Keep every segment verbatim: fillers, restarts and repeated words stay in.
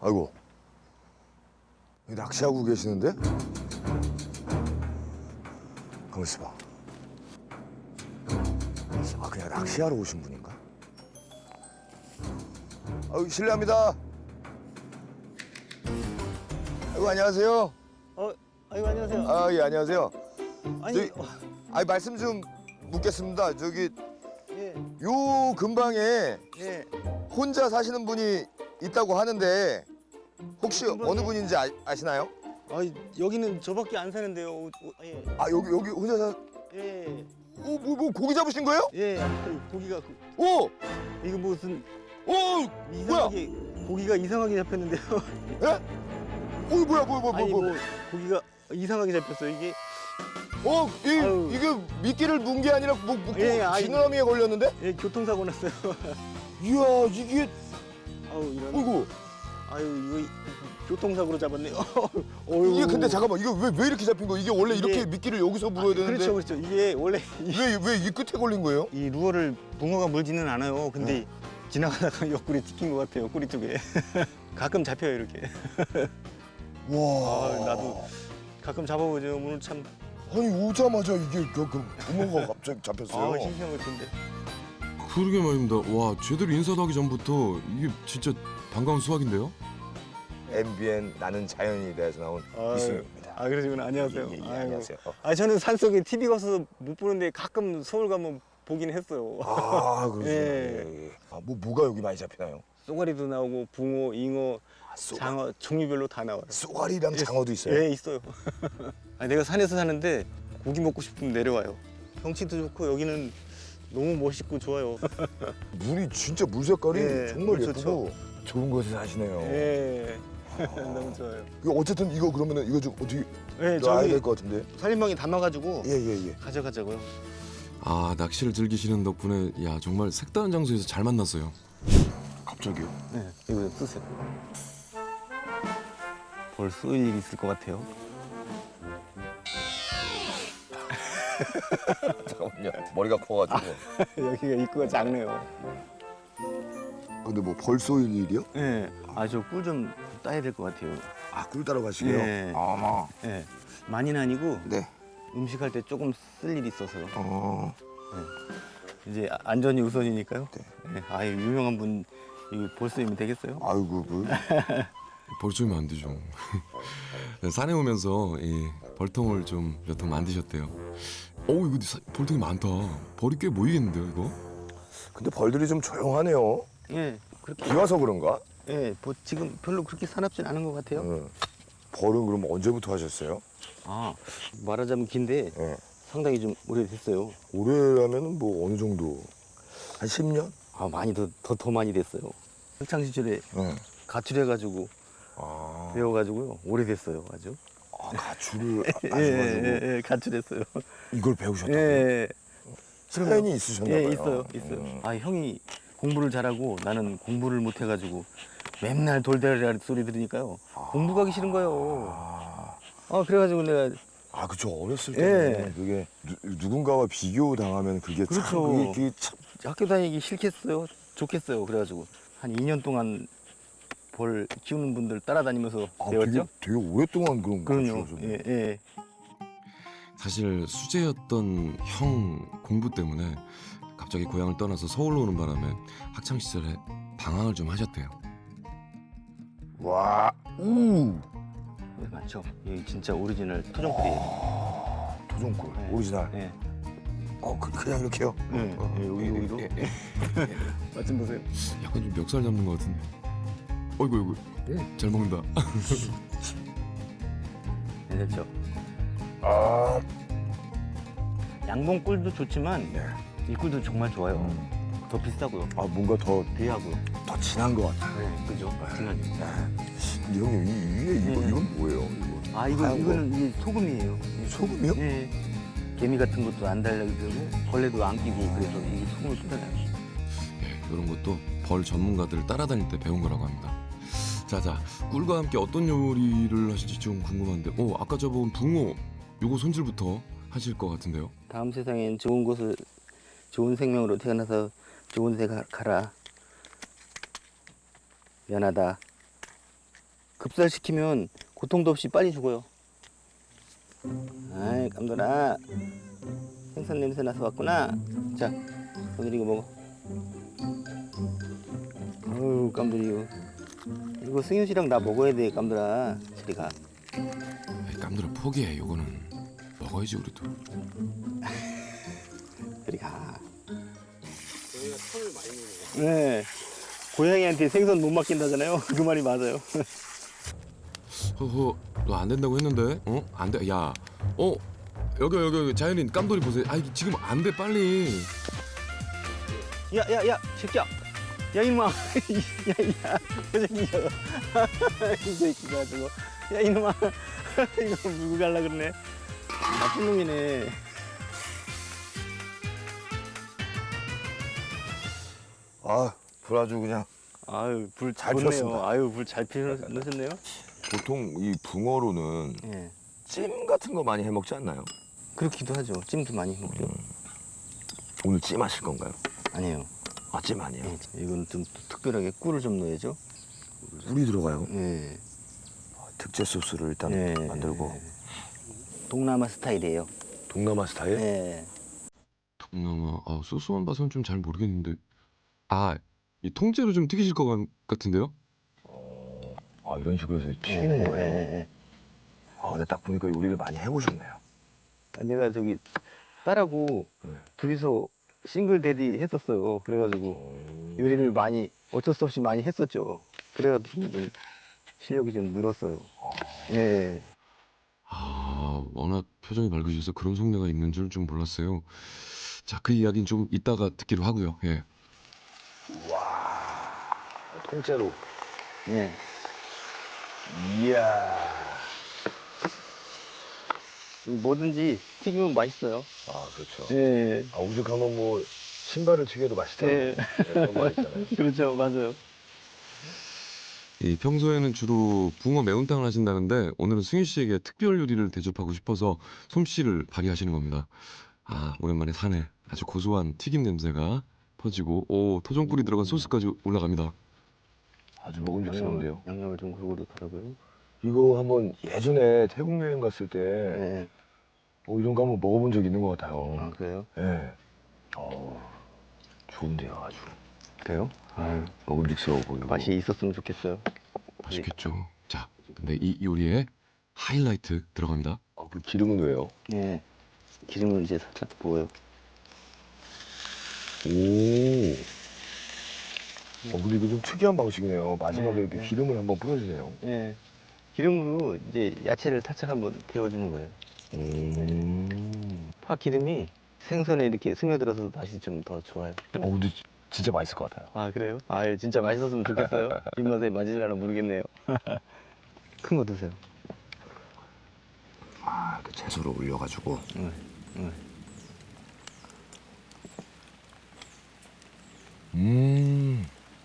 아이고. 낚시하고 계시는데? 가만 있어봐. 아, 그냥 낚시하러 오신 분인가? 아유, 실례합니다. 아이고, 안녕하세요. 어, 아이고 안녕하세요. 아, 예, 안녕하세요. 아니, 저기, 어, 아니, 말씀 좀 묻겠습니다. 저기, 예, 요 근방에 예. 혼자 사시는 분이 있다고 하는데 혹시 근방에? 어느 분인지 아, 아시나요? 아, 여기는 저밖에 안 사는데요. 어, 어, 예, 아, 여기, 여기 혼자 사... 예, 오, 뭐, 뭐, 고기 잡으신 거예요? 예. 그 고기가 그, 오! 이거 무슨 오! 이상하게 고기가 이상하게 잡혔는데요. 예? 오, 뭐야, 뭐야, 뭐야, 아니 뭐야. 뭐 고기가 이상하게 잡혔어요. 이게 어, 이, 아유. 이게 미끼를 문 게 아니라 뭐, 뭐, 예, 아이. 지느러미에 걸렸는데? 예, 교통사고 났어요. 이야, 이게, 아우 이런. 어이구. 아유 이거 교통사고로 잡았네요. 어이구. 이게 근데 잠깐만, 이거 왜, 왜 이렇게 잡힌 거야? 이게 원래 이렇게 이게- 미끼를 여기서 물어야 되는데. 그렇죠, 그렇죠. 이게 원래 이, 왜, 왜 이 끝에 걸린 거예요? 이 루어를 붕어가 물지는 않아요. 근데 네. 지나가다가 옆구리 찍힌 것 같아요. 꼬리 쪽에. 가끔 잡혀요 이렇게. 와. 아, 나도 가끔 잡아보죠. 오늘 참 아니, 오자마자 이게 그, 그 붕어가 갑자기 잡혔어요. 아, 싱싱한 것 같은데. 그러게 말입니다. 와, 제대로 인사도 하기 전부터 이게 진짜 반가운 수확인데요? 엠비엔 나는 자연이 대해서 나온 아유, 이승입니다. 아 그러시구나. 안녕하세요. 예, 예, 예, 아이고. 안녕하세요. 아 저는 산속에 티비 가서 못 보는데 가끔 서울 가면 보긴 했어요. 아, 그러시구나. 예. 예, 예. 아, 뭐, 뭐가 여기 많이 잡히나요? 쏘가리도 나오고 붕어, 잉어, 아, 쏘, 장어 종류별로 다 나와요. 쏘가리랑 장어도 있어요? 예, 있어요. 아니, 내가 산에서 사는데 고기 먹고 싶으면 내려와요. 경치도 좋고 여기는 너무 멋있고 좋아요. 물이 진짜 물 색깔이 예, 정말 물 예쁘고 좋죠. 좋은 곳에 사시네요. 예. 너무 좋아요. 이거 어쨌든 이거 그러면은 이거 좀 어떻게 예, 놔야 저기 될 것 같은데? 살림방에 담아가지고 예예예. 예. 가져가자고요. 아, 낚시를 즐기시는 덕분에 야, 정말 색다른 장소에서 잘 만났어요. 갑자기요? 네, 이거 쓰세요. 벌 쏘일 일이 있을 것 같아요. 잠깐만요. 머리가 커가지고. 여기가 입구가 작네요. 근데 뭐 벌써 일이요? 네, 아 저 꿀 좀 따야 될 것 같아요. 아, 꿀 따러 가시게요? 네. 아마. 네, 많이는 아니고 네. 음식할 때 조금 쓸 일이 있어서요. 어. 이제 아- 안전이 우선이니까요. 네. 네, 아 유명한 분 이거 볼 쏘이면 되겠어요? 아이고 그. 벌쏘면 안 되죠. 산에 오면서 이 벌통을 좀 몇 통 만드셨대요. 오, 이거 사- 벌통이 많다. 벌이 꽤 모이겠는데요, 이거? 근데 벌들이 좀 조용하네요. 예, 그렇게. 비 와서 그런가? 예, 뭐 지금 별로 그렇게 사납진 않은 것 같아요. 응. 벌은 그럼 언제부터 하셨어요? 아 말하자면 긴데 예. 상당히 좀 오래됐어요. 올해라면은 뭐 어느 정도? 한 십 년? 아 많이 더 더 더 많이 됐어요. 학창 시절에 응. 가출해가지고 아. 배워가지고요 오래됐어요 아주. 아, 가출을 아- 예, 하셔가지고 예, 예, 가출했어요. 이걸 배우셨다고요? 예, 사연이 있으셨나 봐요. 예, 있어요, 있어요. 음. 아 형이 공부를 잘하고 나는 공부를 못해가지고 맨날 돌대라리 소리 들으니까요 공부 가기 싫은 거예요. 아, 아 그래가지고 내가 아 그쵸. 어렸을 예. 때는 그게 누, 누군가와 비교 당하면 그게 참 그렇죠. 그게, 그게 참 학교 다니기 싫겠어요, 좋겠어요. 그래가지고 한 이 년 동안 벌 키우는 분들 따라다니면서 아, 배웠죠. 되게, 되게 오랫동안 그런 그럼요. 가출하셨네요. 예, 예. 사실 수재였던 형 공부 때문에 갑자기 고향을 떠나서 서울로 오는 바람에 학창 시절에 방황을 좀 하셨대요. 와, 우, 예, 맞죠. 이 진짜 오리지널 토종꿀이에요. 아, 도전꿀 네. 오리지널. 예. 어, 그, 그냥 이렇게요. 예, 어, 예, 여기 예, 여기도. 예, 맛 좀 보세요. 약간 좀 멱살 잡는 것 같은데. 어이구, 어이구. 잘 먹는다. 네, 됐죠. 아, 양봉꿀도 좋지만 네. 이 꿀도 정말 좋아요. 음. 더 비싸고요. 아 뭔가 더, 귀하고요. 더 진한 것 같아요. 네, 그죠. 진하죠. 근데 형님 이 위에 이거 네. 이건 뭐예요? 이거 아 이거 하얀 거. 이거는 이게 소금이에요. 소금이요? 예. 개미 같은 것도 안 달라고 그러고 벌레도 안 끼고 그래서 이게 소금을 쏟아내요. 예, 이런 것도 벌 전문가들을 따라다닐 때 배운 거라고 합니다. 자자, 꿀과 함께 어떤 요리를 하실지 좀 궁금한데, 오, 아까 저본 붕어, 요거 손질부터 하실 것 같은데요. 다음 세상엔 좋은 곳을 좋은 생명으로 태어나서 좋은 데 가, 가라. 미안하다. 급살시키면 고통도 없이 빨리 죽어요. 아이 깜돌아, 생선 냄새 나서 왔구나. 자, 오늘 이거 먹어. 어우 깜돌이 이거 이거 승윤 씨랑 나 먹어야 돼 깜돌아. 저리가. 에이, 깜들아 포기해. 요거는 먹어야지 우리도. 저리가. 저희가 털을 많이 먹는 거. 네. 고양이한테 생선 못 맡긴다잖아요. 그 말이 맞아요. 허허, 너 안 된다고 했는데? 어? 안 돼. 야, 어? 여기 여기 여기 자연인 깜돌이 보세요. 아 이게 지금 안 돼 빨리. 야야야 새끼야. 야 이놈아. 야야 그 새끼야. 이 새끼 가지고. 야 이놈아. 이거 물고 갈라 그러네. 나쁜 놈이네. 아, 불 아주 그냥. 아유 불 잘 좋네요. 피웠습니다. 아유 불 잘 피우셨네요. 보통 이 붕어로는 예. 찜 같은 거 많이 해 먹지 않나요? 그렇기도 하죠. 찜도 많이 먹죠. 오늘 찜 하실 건가요? 아니에요. 아, 찜 아니에요. 예. 이건 좀 특별하게 꿀을 좀 넣어야죠. 물이 들어가요. 예. 특제 소스를 일단 예. 만들고. 동남아 스타일이에요. 동남아 스타일? 예. 동남아. 아 소스만 봐서는 좀 잘 모르겠는데. 아, 이 통째로 좀 튀기실 것 같- 같은데요? 아, 이런 식으로 해서 예. 튀기는 거예요. 예. 아, 근데 딱 보니까 요리를 많이 해보셨네요. 아, 내가 저기 딸하고 네. 둘이서 싱글 데디 했었어요. 그래가지고 요리를 많이 어쩔 수 없이 많이 했었죠. 그래가지고 좀 실력이 좀 늘었어요. 예. 아, 워낙 표정이 밝으셔서 그런 속내가 있는 줄 좀 몰랐어요. 자, 그 이야기는 좀 이따가 듣기로 하고요. 예. 통째로. 예. 이야. 뭐든지 튀기면 맛있어요. 아, 그렇죠. 예. 아, 오죽하면 뭐 신발을 튀겨도 맛있다. 예. 그런 말 있잖아요. 그렇죠. 맞아요. 이 평소에는 주로 붕어 매운탕을 하신다는데 오늘은 승윤 씨에게 특별 요리를 대접하고 싶어서 솜씨를 발휘하시는 겁니다. 아, 오랜만에 산에 아주 고소한 튀김 냄새가 퍼지고 오, 토종꿀이 들어간 소스까지 올라갑니다. 아주 먹음직스러운데요. 양념을 좀 골고루 하라고요. 이거 한번 예전에 태국 여행 갔을 때 예. 어, 이런 거 한번 먹어본 적 있는 것 같아요. 아 그래요? 예. 어, 좋은데요, 아주. 그래요? 아 먹음직스러워 보이고. 맛이 있었으면 좋겠어요. 맛있겠죠. 자, 근데 이 요리에 하이라이트 들어갑니다. 아, 그 기름은 왜요? 예. 기름을 이제 살짝 부어요. 오. 어, 근데 이거 좀 특이한 방식이네요. 마지막에 네, 이렇게 네. 기름을 한번 뿌려주네요. 예. 기름으로 이제 야채를 살짝 한번 데워주는 거예요. 음. 파 기름이 생선에 이렇게 스며들어서 맛이 좀 더 좋아요. 어, 근데 지- 진짜 맛있을 것 같아요. 아 그래요? 아 예, 진짜 맛있었으면 좋겠어요. 입맛에 맞을려나 모르겠네요. 큰 거 드세요. 아, 그 채소를 올려가지고. 응, 응. 음.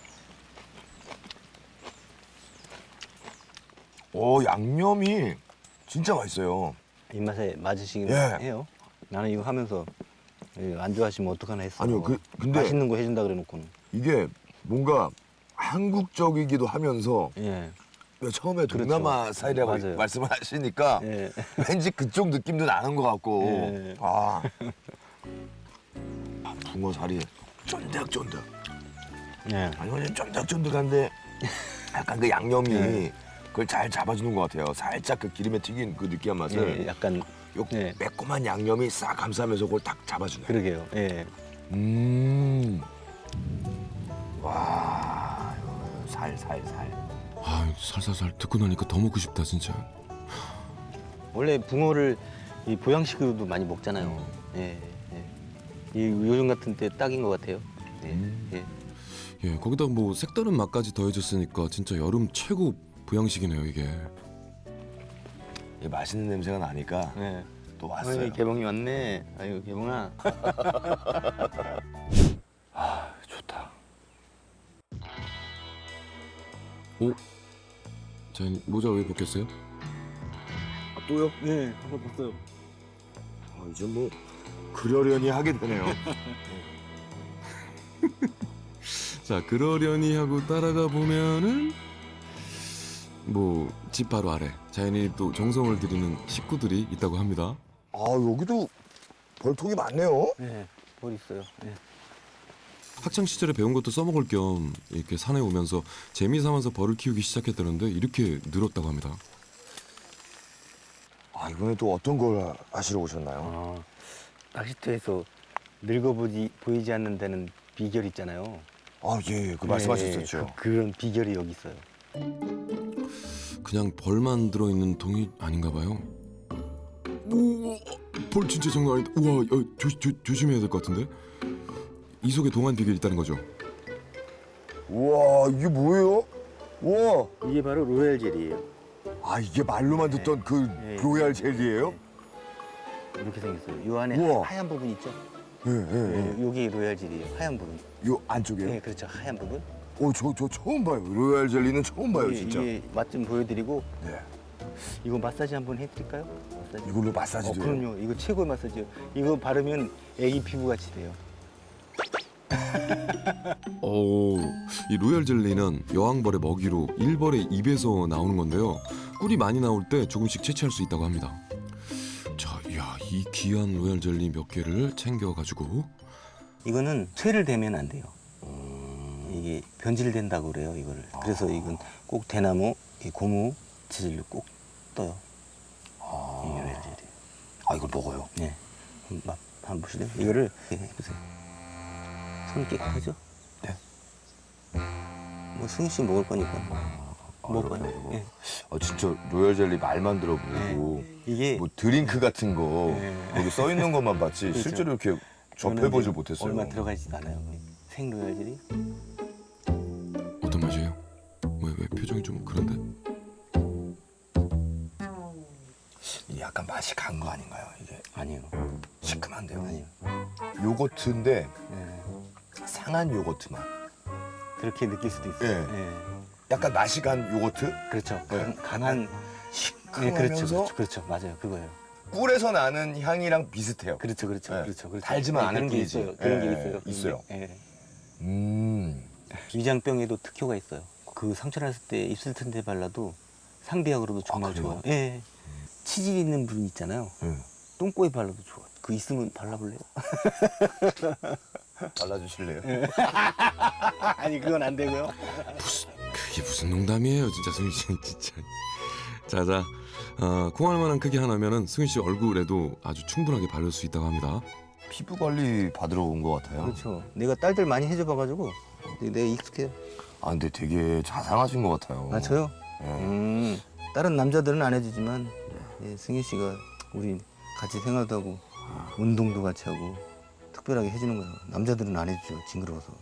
오, 양념이 진짜 맛있어요. 입맛에 맞으시긴 예. 해요. 나는 이거 하면서 이거 안 좋아하시면 어떡하나 했어. 아니요, 그, 근데 맛있는 거 해준다 그래놓고는. 이게 뭔가 한국적이기도 하면서 예. 왜 처음에 그렇죠. 동남아 스타일이라고 맞아요. 말씀을 하시니까 예. 왠지 그쪽 느낌도 나는 것 같고. 예. 아. 아, 붕어 살이 쫀득쫀득. 예. 아니 완전 쫀득쫀득한데 약간 그 양념이 예. 그걸 잘 잡아주는 것 같아요. 살짝 그 기름에 튀긴 그 느끼한 맛을 예. 약간 요 예. 매콤한 양념이 싹 감싸면서 그걸 딱 잡아주네. 그러게요. 예. 음. 와, 이거 살, 살, 살. 아, 살살살 듣고 나니까 더 먹고 싶다 진짜. 원래 붕어를 이 보양식으로도 많이 먹잖아요. 예. 예. 이 요즘 같은 때 딱인 것 같아요. 예. 음. 예. 예, 거기다 뭐 색다른 맛까지 더해졌으니까 진짜 여름 최고 보양식이네요 이게. 이 맛있는 냄새가 나니까 예. 또 왔어요. 아유, 개봉이 왔네. 아유 개봉아. 아, 좋다. 오, 자 모자 왜 벗겼어요? 아, 또요? 네, 한번 봤어요. 아, 이제 뭐 그러려니 하게 되네요. 자, 그러려니 하고 따라가 보면은 뭐 집 바로 아래 자연인이 또 정성을 들이는 식구들이 있다고 합니다. 아 여기도 벌통이 많네요. 네, 벌 있어요. 네. 학창 시절에 배운 것도 써먹을 겸 이렇게 산에 오면서 재미 삼아서 벌을 키우기 시작했다는데 이렇게 늘었다고 합니다. 아 이번에 또 어떤 걸 하시러 오셨나요? 어, 낚시터에서 늙어보지 보이지 않는 데는 비결 있잖아요. 아 예, 그 네, 말씀하셨었죠. 그, 그런 비결이 여기 있어요. 그냥 벌만 들어있는 통이 아닌가 봐요. 오, 벌 진짜 장난 아니다. 우와, 야, 조, 조, 조심해야 될 것 같은데? 이 속에 동안 비결이 있다는 거죠. 우와 이게 뭐예요? 우와. 이게 바로 로얄 젤이에요. 아 이게 말로만 듣던 그 네. 로얄 젤리예요? 이렇게 생겼어요. 요 안에 우와. 하얀 부분 있죠? 예, 예, 네, 예. 요게 로얄 젤이에요. 하얀 부분. 요 안쪽에요? 네, 그렇죠. 하얀 부분. 오, 저, 저 처음 봐요. 로얄 젤리는 처음 봐요, 이게, 진짜. 이게 맛 좀 보여드리고 네. 이거 마사지 한번 해드릴까요? 마사지. 이걸로 어, 마사지도 해요? 그럼요. 이거 최고의 마사지요. 이거 바르면 애기 피부 같이 돼요. 오, 이 로얄 젤리는 여왕벌의 먹이로 일벌의 입에서 나오는 건데요. 꿀이 많이 나올 때 조금씩 채취할 수 있다고 합니다. 자, 이야, 이 귀한 로얄 젤리 몇 개를 챙겨가지고 이거는 쇠를 대면 안 돼요. 이게 변질된다고 그래요, 이거를. 그래서 이건 꼭 대나무, 이 고무 재질로 꼭 떠요. 이 로얄 젤이. 아, 이걸 먹어요? 네. 한번 한번 보실래요? 이거를 이렇게 해보세요. 손 깨끗하죠? 네. 뭐 승희 씨 먹을 거니까 먹어요. 그러네, 예. 아, 진짜 로얄 젤리 말만 들어보고 이게 뭐 드링크 같은 거 네. 거기 써 있는 것만 봤지 그렇죠. 실제로 이렇게 저는 접해보지 이제 못했어요. 얼마 들어가지도 않아요. 생 로얄 젤이. 어떤 맛이에요? 왜, 왜 표정이 좀 그런데? 이게 약간 맛이 간 거 아닌가요? 이게 아니에요. 시큼한데요. 아니에요. 요거트인데 예. 상한 요거트 맛. 그렇게 느낄 수도 있어요. 예. 예. 약간 맛이 간 요거트? 그렇죠. 네. 강, 강한 네, 그렇죠, 시큼하면서 그렇죠, 그렇죠, 맞아요, 그거예요. 꿀에서 나는 향이랑 비슷해요. 그렇죠, 그렇죠, 네. 그렇죠, 그렇죠. 달지만 네, 않은 그런 게 뿐이지. 있어요. 그런 예, 게 있어요. 있어요. 예. 음. 위장병에도 특효가 있어요. 그 상처 났을 때 입술 튼데 발라도 상비약으로도 정말 아, 그래요? 좋아요. 예. 치질 있는 부분 있잖아요. 음. 똥꼬에 발라도 좋아. 그 있으면 발라볼래요? 발라주실래요? 아니 그건 안 되고요. 그게 무슨 농담이에요, 진짜 승희 씨, 진짜. 자자, 어, 콩알 만한 크기 하나면은 승희 씨 얼굴에도 아주 충분하게 바를 수 있다고 합니다. 피부 관리 받으러 온 것 같아요. 그렇죠. 내가 딸들 많이 해줘봐가지고 내가 익숙해요. 아 근데 되게 자상하신 것 같아요. 아 저요? 예. 음, 다른 남자들은 안 해주지만 예, 승희 씨가 우리 같이 생활도 하고 운동도 같이 하고 특별하게 해주는 거예요. 남자들은 안 해주죠. 징그러워서.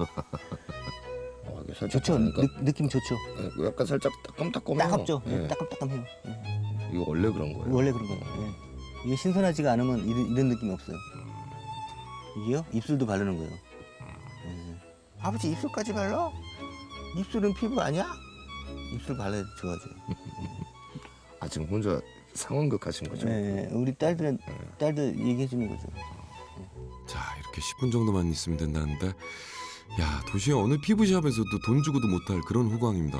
어, 이게 살짝 좋죠. 다르니까? 느, 느낌 좋죠. 예, 약간 살짝 따끔따끔해요. 따갑죠. 예. 따끔따끔해요. 예. 이거 원래 그런 거예요. 원래 그런 거예요. 예. 이게 신선하지가 않으면 이런, 이런 느낌이 없어요. 이게요? 입술도 바르는 거예요. 예. 아버지 입술까지 발라? 입술은 피부 아니야? 입술 발라야 좋아져요. 아 지금 혼자 상황극 하신 거죠? 예, 우리 딸들은 딸들 얘기해 주는 거죠. 자, 이렇게 십 분 정도만 있으면 된다는데, 야, 도시의 어느 피부샵에서도 돈 주고도 못할 그런 호강입니다.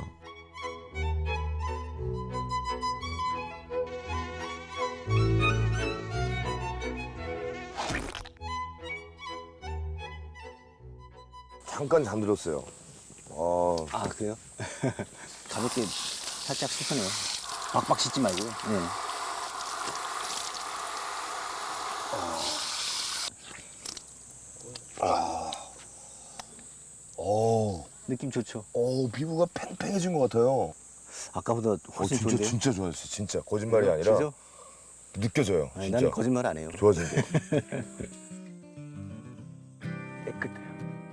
잠깐 잠들었어요. 아, 아 그래요? 가볍게 살짝 씻어내요. 박박 씻지 말고요. 네. 어, 느낌 좋죠. 어 피부가 팽팽해진 것 같아요. 아까보다 어, 훨씬 진짜 좋은데요? 진짜 좋아졌어요. 진짜 거짓말이 아니라 진짜? 느껴져요. 아니, 진짜 나는 거짓말 안 해요. 좋아진 거. 깨끗해요.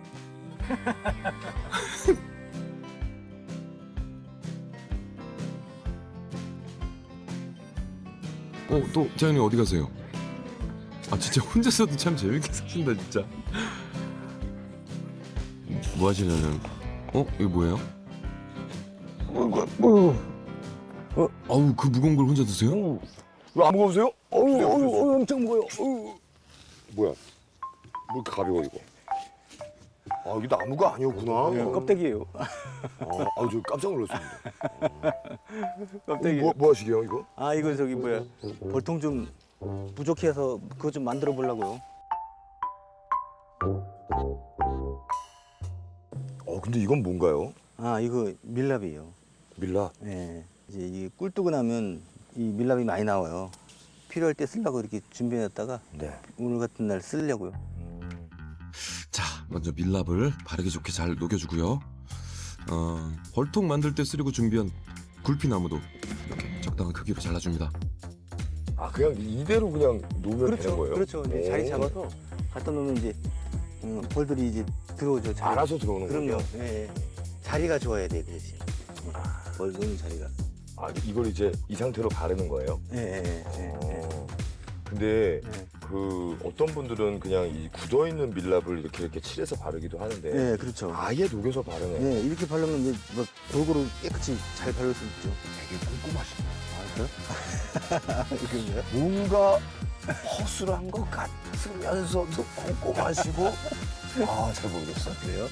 어, 또 자연이 어디 가세요? 아, 진짜 혼자서도 참 재밌게 사신다, 진짜. 뭐 하시려는? 어, 이거 뭐예요? 어, 아우, 그 무거운 걸 혼자 드세요? 왜 안 무거우세요? 어우, 주세요, 어우, 주세요. 어우, 엄청 무거워요. 어우. 뭐야? 뭐 이렇게 가벼워 이거? 아 이게 나무가 아니었구나. 예, 껍데기예요. 아, 아, 저 깜짝 놀랐습니다. 껍데기. 뭐, 뭐 하시게요 이거? 아 이거 저기 뭐야 벌통 좀 부족해서 그거 좀 만들어 보려고요. 어 근데 이건 뭔가요? 아 이거 밀랍이에요. 밀랍. 예. 이제 이게 꿀 뜨고 나면 이 밀랍이 많이 나와요. 필요할 때 쓰려고 이렇게 준비해놨다가 네. 오늘 같은 날 쓰려고요. 자, 먼저 밀랍을 바르기 좋게 잘 녹여주고요. 어, 벌통 만들 때 쓰려고 준비한 굴피나무도 이렇게 적당한 크기로 잘라줍니다. 아 그냥 이대로 그냥 놓으면 되는 거예요? 그렇죠. 이제 자리 잡아서 갖다 놓으면 이제 음, 벌들이 이제 들어오죠. 자리. 알아서 들어오는 그럼요. 거죠? 예, 예. 자리가 좋아야 돼, 그 대신. 벌 놓는 자리가. 아 이걸 이제 이 상태로 바르는 거예요? 예, 예, 예. 예. 어. 근데 예. 그 어떤 분들은 그냥 이 굳어 있는 밀랍을 이렇게 이렇게 칠해서 바르기도 하는데 예, 그렇죠. 아예 녹여서 바르네. 예, 이렇게 바르면 이제 뭐 골고루 깨끗이 잘 바를 수 있죠. 되게 꼼꼼하시네. 아, 그래요? 이건가요? 뭔가 허술한 것 같으면서도 꼼꼼하시고 아 잘 모르겠어. 그래요?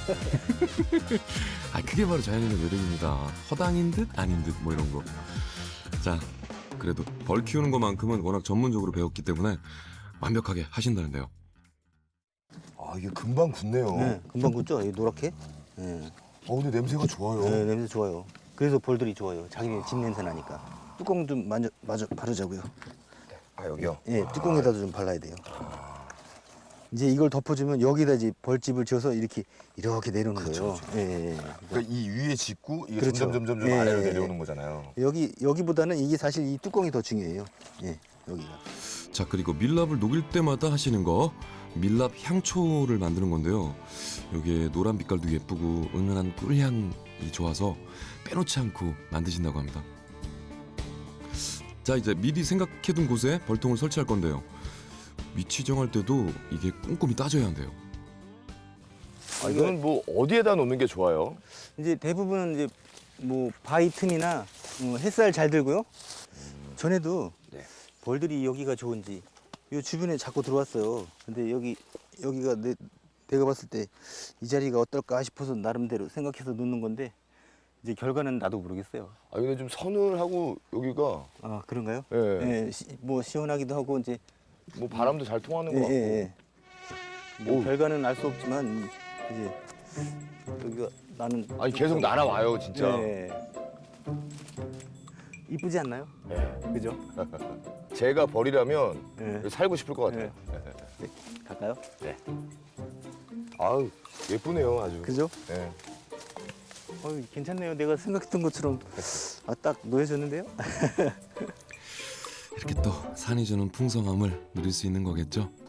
아, 그게 바로 자연인의 매력입니다. 허당인 듯 아닌 듯 뭐 이런 거. 자, 그래도 벌 키우는 것만큼은 워낙 전문적으로 배웠기 때문에 완벽하게 하신다는데요. 아 이게 금방 굳네요. 네, 금방 굳죠? 이 노랗게? 예. 어 근데 냄새가 좋아요. 네, 냄새 좋아요. 그래서 벌들이 좋아요. 자기네 집 냄새 나니까. 뚜껑 좀 만져, 마저 바르자고요. 아 여기요? 예, 뚜껑에다도 좀 발라야 돼요. 이제 이걸 덮어주면 여기다 이제 벌집을 지어서 이렇게 이렇게 내려오는 거예요. 예, 예, 예. 그러니까 이 위에 짓고 이게 그렇죠. 점점 점점 예, 아래로 예, 내려오는 거잖아요. 여기 여기보다는 이게 사실 이 뚜껑이 더 중요해요. 예, 여기가. 자, 그리고 밀랍을 녹일 때마다 하시는 거 밀랍 향초를 만드는 건데요. 여기에 노란 빛깔도 예쁘고 은은한 꿀향이 좋아서 빼놓지 않고 만드신다고 합니다. 자, 이제 미리 생각해둔 곳에 벌통을 설치할 건데요. 위치 정할 때도 이게 꼼꼼히 따져야 한대요. 아, 이거는 뭐 어디에다 놓는 게 좋아요? 이제 대부분은 이제 뭐 바위 틈이나 어, 햇살 잘 들고요. 전에도 네. 벌들이 여기가 좋은지 이 주변에 자꾸 들어왔어요. 근데 여기 여기가 내, 내가 봤을 때 이 자리가 어떨까 싶어서 나름대로 생각해서 놓는 건데 이제 결과는 나도 모르겠어요. 아 근데 좀 서늘하고 여기가 아 그런가요? 예, 예, 시- 뭐 시원하기도 하고 이제 뭐 바람도 잘 통하는 것 예, 같고. 예, 예. 뭐 오. 결과는 알 수 없지만 이제 여기가 나는 아니 계속 날아와요 진짜. 예. 이쁘지 않나요? 예. 그죠? 제가 벌이라면 예. 여기 살고 싶을 것 같아요. 갈까요? 아우 예쁘네요 아주. 그죠? 예. 어, 괜찮네요. 내가 생각했던 것처럼 아, 딱 놓여졌는데요? 이렇게 또 산이 주는 풍성함을 누릴 수 있는 거겠죠.